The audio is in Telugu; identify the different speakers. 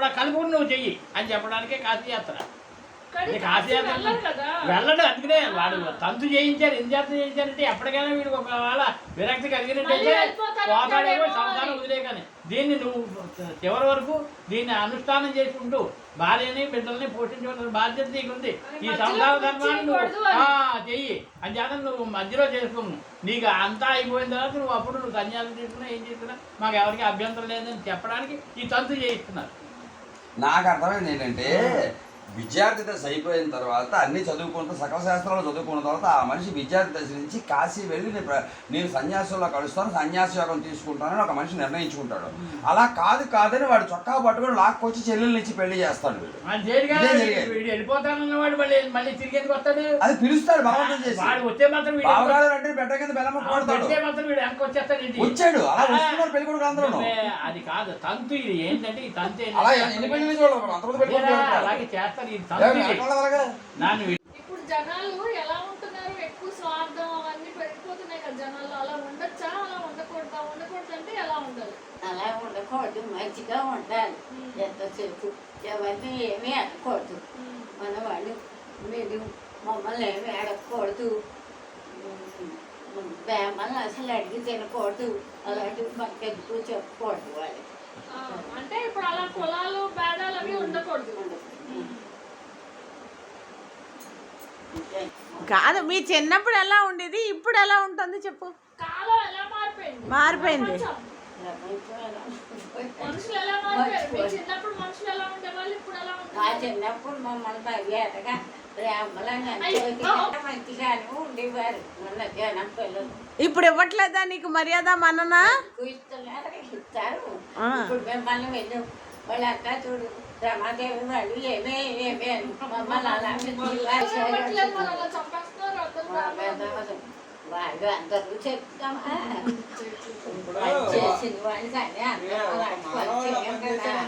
Speaker 1: కలుపుకుని నువ్వు చెయ్యి అని చెప్పడానికే కాశీయాత్ర. కాశీయాత్ర వెళ్ళడు, అందుకనే వాడు తంతు చేయించారు. ఎన్ని జాతర చేయించారంటే ఎప్పటికైనా వీడికి ఒకవేళ విరక్తి కలిగినట్టయితే పోతాడేమో సంసారం వదిలే. కానీ దీన్ని నువ్వు చివరి వరకు దీన్ని అనుష్ఠానం చేసుకుంటూ భార్యని బిడ్డల్ని పోషించవలసిన బాధ్యత నీకు ఉంది. ఈ సంసార ధర్మాన్ని నువ్వు చెయ్యి అని చేత నువ్వు మధ్యలో చేసుకోము. నీకు అంతా అయిపోయిన తర్వాత నువ్వు అప్పుడు నువ్వు సన్యాసం తీసుకున్నా ఏం చేసుకున్నా మాకు ఎవరికి అభ్యంతరం లేదని చెప్పడానికి ఈ తంతు చేయిస్తున్నారు.
Speaker 2: నాకు అర్థమైంది ఏంటంటే విద్యార్థి దశ అయిపోయిన తర్వాత అన్ని చదువుకుంటూ సకల శాస్త్రాలు చదువుకున్న తర్వాత ఆ మనిషి విద్యార్థి దశ నుంచి కాశీ వెళ్ళి నేను సన్యాసంలో కలుస్తాను, సన్యాస యోగం తీసుకుంటానని ఒక మనిషి నిర్ణయించుకుంటాడు. అలా కాదని వాడు చొక్కా పట్టుకొని లాక్కొచ్చి చెల్లెల్ని ఇచ్చి పెళ్లి చేస్తాడు. అది పిలుస్తాడు భగవంతుడు చేసి. బావగారు అంటే బెట్ట కింద బెల్లమ్మ కొడతాడు. వచ్చాడు అలా వస్తున్నారు పెళ్లి కొడుకు అందరూ.
Speaker 1: అది కాదు తంతు. ఇది ఏంటంటే ఈ తంతు
Speaker 2: అలా ఎన్ని పెళ్లి
Speaker 1: అలాగే చేస్తారు.
Speaker 3: ఇప్పుడు జనాలు ఎలా ఉంటున్నారు, ఎక్కువ స్వార్థం అవన్నీ పెరిగిపోతున్నాయి కదా జనాలు. అలా ఉండొచ్చా, అలా ఉండకూడదా? ఉండకూడదు అంటే ఎలా ఉండాలి?
Speaker 4: అలా ఉండకూడదు, మంచిగా ఉండాలి. ఎంతసేపు ఎవరిని ఏమీ అనకూడదు. మన వాళ్ళు మీరు మమ్మల్ని ఏమి అడగకూడదు, మమ్మల్ని అసలు అడిగి తినకూడదు. అలాంటివి మాకు ఎందుకు చెప్పకూడదు వాళ్ళు.
Speaker 3: అంటే ఇప్పుడు అలా కులాలు భేదాలు అవి ఉండకూడదు.
Speaker 5: కాదు, మీ చిన్నప్పుడు ఎలా ఉండేది, ఇప్పుడు ఎలా ఉంటుంది చెప్పు.
Speaker 3: కాలం ఎలా
Speaker 5: మారిపోయింది.
Speaker 3: మనుషులు ఎలా మారిపోయారు? చిన్నప్పుడు మనుషులు ఎలా ఉండేవాళ్ళు, ఇప్పుడు ఎలా ఉంటారు?
Speaker 4: మా చిన్నప్పుడు మమ్మల్ని మర్యాదగా ప్రేమలను మంచిగానే ఉండేవారు మన జనం పిల్లలు.
Speaker 5: ఇప్పుడు ఇవ్వట్లేదా నీకు మర్యాద మననా?
Speaker 4: ఇస్తారు. ఇప్పుడు మిమ్మల్ని వెళ్ళి వాళ్ళంతా చూడు రమాదేవి వాళ్ళు ఏమే అని మమ్మల్ని అలాంటి వాళ్ళు అందరూ చెప్తామా చేసిన వాళ్ళు కానీ అందరూ అలాంటి వాళ్ళు